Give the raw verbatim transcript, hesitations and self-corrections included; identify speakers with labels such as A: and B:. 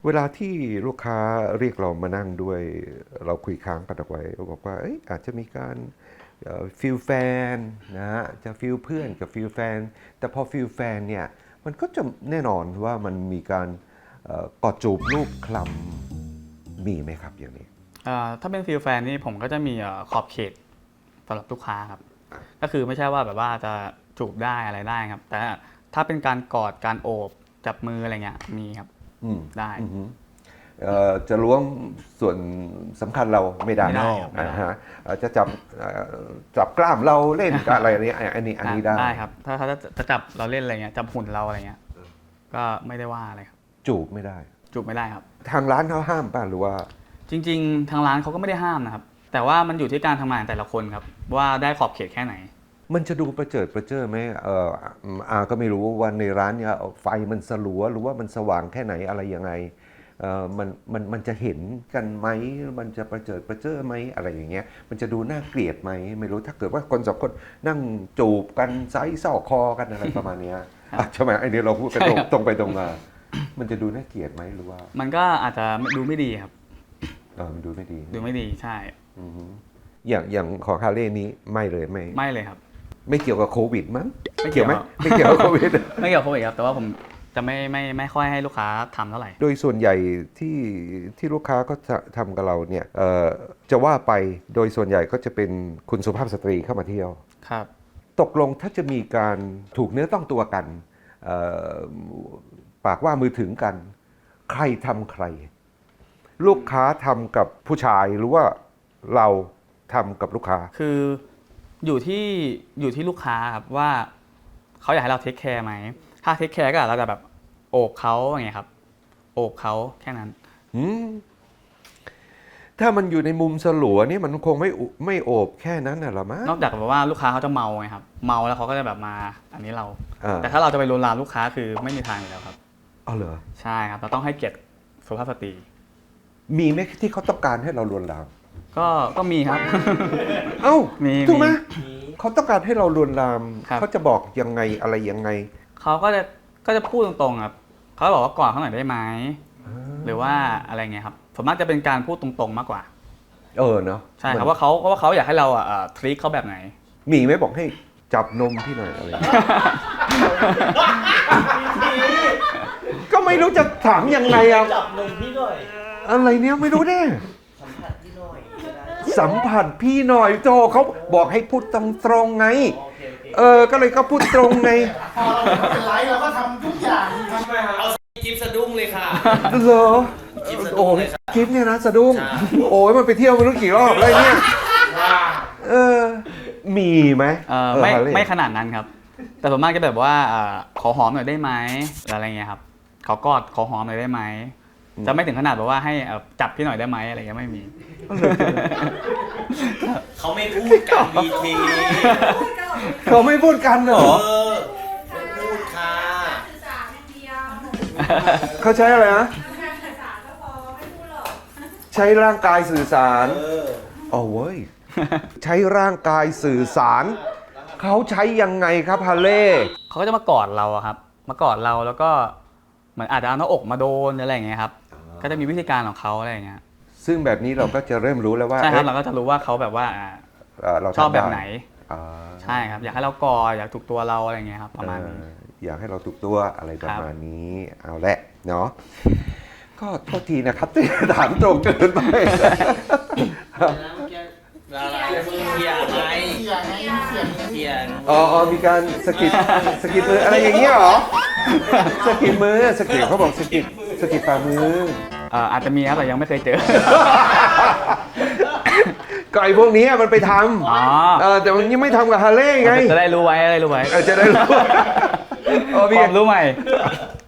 A: เวลาที่ลูกค้าเรียกเรามานั่งด้วยเราคุยค้างกันเอาไว้บอกว่าอาจจะมีการฟิลแฟนนะฮะจะฟิลเพื่อนกับฟิลแฟนแต่พอฟิลแฟนเนี่ยมันก็จะแน่นอนว่ามันมีการกอดจูบรูปคลำมีไหมครับอย่างนี้
B: ถ้าเป็นฟิลแฟนนี่ผมก็จะมีขอบเขตสำหรับลูกค้าครับก็คือไม่ใช่ว่าแบบว่าจะจูบได้อะไรได้ครับแต่ถ้าเป็นการกอดการโอบจับมืออะไรเงี้ยมีครับได้
A: จะล้วงส่วนสำคัญเราไม่ได้
B: นะ
A: ฮะจะจับจับกล้ามเราเล่นกับอะไรนี้อันนี้อันนี้ได้
B: ได้ครับถ้าเขาจะจับเราเล่นอะไรเงี้ยจับหุ่นเราอะไรเงี้ยก็ไม่ได้ว่าอะไรครับ
A: จูบไม่ได้
B: จูบไม่ได้ครับ
A: ทางร้านเขาห้ามป่ะหรือว่า
B: จริงๆทางร้านเขาก็ไม่ได้ห้ามนะครับแต่ว่ามันอยู่ที่การทำงานแต่ละคนครับว่าได้ขอบเขตแค่ไหน
A: มันจะดูประเจิดประเจิอไหมเอออาก็ไม่รู้ว่าในร้านเนี่ยไฟมันสลัวหรือว่ามันสว่างแค่ไหนอะไรยังไงเออมันมันมันจะเห็นกันไหมมันจะประเจิดประเจิอไหมอะไรอย่างเงี้ยมันจะดูน่าเกลียดไหมไม่รู้ถ้าเกิดว่าคนสองคนนั่งจูบกันไซส์ซอกคอกันอะไรประมาณนี้ใช่ไหมไอเนี้ยเราพูดกันตรงไปตรงมามันจะดูน่าเกลียดไหมหรือว่า
B: มันก็อาจจะดูไม่ดีครับ
A: เออมันดูไม่ดี
B: ดูไม่ดีใช่
A: อย่างอย่างของคาเร่นี้ไม่เลยไม่
B: ไม่เลยครับ
A: ไม่เกี่ยวกับโควิดมั้งไม่เกี่ยวไหมไม่เกี่ยวกับโควิด
B: ไม่เกี่ยวกับโควิดครับแต่ว่าผมจะไม่ไม่ไม่ค่อยให้ลูกค้าทำเท่าไหร่
A: โดยส่วนใหญ่ที่ที่ลูกค้าก็จะทำกับเราเนี่ยจะว่าไปโดยส่วนใหญ่ก็จะเป็นคุณสุภาพสตรีเข้ามาเที่ยว
B: ครับ
A: ตกลงถ้าจะมีการถูกเนื้อต้องตัวกันปากว่ามือถึงกันใครทำใครลูกค้าทำกับผู้ชายหรือว่าเราทำกับลูกค้า
B: คืออยู่ที่อยู่ที่ลูกค้าครับว่าเขาอยากให้เราเทคแคร์ไหมถ้าเทคแคร์ก็เราจะแบบโอบเขาอย่างเงี้ยครับโอบเขาแค่นั้น
A: ถ้ามันอยู่ในมุมสลัวนี่มันคงไม่ไม่โอบแค่นั้นน่ะหรอมั้ง
B: นอกจากแบบว่าลูกค้าเขาจะเมาไงครับเมาแล้วเขาก็จะแบบมาอันนี้เราแต่ถ้าเราจะไปลวนลามลูกค้าคือไม่มีทางอยู่แล้วครับ
A: อ๋อเหรอ
B: ใช่ครับเราต้องให้เกียรติสุภาพสตรี
A: มีไหมที่เขาต้องการให้เราลวนลาม
B: ก็ก็มีครับ
A: เอ้า
B: มี
A: ถูกไหมเขาต้องการให้เราลวนลามเขาจะบอกยังไงอะไรยังไง
B: เขาก็จะก็จะพูดตรงๆครับเขาบอกว่าก่อนเขาหน่อยได้ไหมหรือว่าอะไรเงี้ยครับส่วนมากจะเป็นการพูดตรงๆมากกว่า
A: เออเนาะ
B: ใช่ครับว่าเขาว่าเขาอยากให้เราอ่ะทรีตเขาแบบไหน
A: มีไหมบอกให้จับนมพี่หน่อยอะไรก็ไม่รู้จะถามยังไงอ่ะ
C: จับนมพี่หน่อย
A: อะไรเนี้ยไม่รู้แน่
C: สัมผัสพี่หน่อย
A: สัมผัสพี่หน่อยโจเขาบอกให้พูดตรงๆไงเออก็เลยก็พูดตรงไง
C: พอเราเป็นไลฟ์เราก็ทำทุกอย่างทำไมครับเอาจิ๊บสะดุ้งเลยค่ะ
A: เหรอโอ้ยจิ๊บเนี่ยนะสะดุ้งโอ้ยมันไปเที่ยวไม่รู้กี่รอบอะไรเนี่ยเออมีไหม
B: ไม่ไม่ขนาดนั้นครับแต่ส่วนมากจะแบบว่าขอหอมหน่อยได้ไหมอะไรเงี้ยครับขอกอดขอหอมหน่อยได้ไหมจะไม่ถึงขนาดแบบว่าให้จับพี่หน่อยได้ไหมอะไรเงี้ยไม่มี
C: เขาไม่พูดกันบีที
A: เขาไม่พูดกันเหรอ
C: พูดค่ะ
A: เขาใช้อะไรนะใช้ร่างกายสื่อสารอ๋อเว้ยใช้ร่างกายสื่อสารเขาใช้ยังไงครับฮาเล่
B: เขาก็จะมากอดเราครับมากอดเราแล้วก็เหมือนอาจจะเอาหน้าอกมาโดนอะไรอย่างเงี้ยครับก็จะมีวิธีการของเขาอะไรอย่างเงี้ย
A: ซึ่งแบบนี้เราก็จะเริ่มรู้แล้วว่า
B: ใช่ครับเราก็จะรู้ว่าเขาแบบว่าเราชอบแบบไหนใช่ครับอยากให้เรากอดอยากถูกตัวเราอะไรอย่างเงี้ยครับประมาณนี้
A: อยากให้เราถูกตัวอะไรประมาณนี้เอาแหละเนาะก็โทษทีนะครับที่ถามตรงเกินไป
C: เทียงไงเทียง
A: อ๋อมีการสกิดสกิดมืออะไรอย่างเงี้ยหรอสกิดมือสกิดเขาบอกสกิดสกิดฝ่ามือ
B: อาจจะมีครับแต่ยังไม่เคยเจอ
A: ก็ไอ้พวกนี้มันไปทำแต่มันยังไม่ทำกับฮาเล่ไง
B: จะได้รู้ไว้จะได้รู้ไว้
A: จะได้รู้
B: ความรู้ใหม่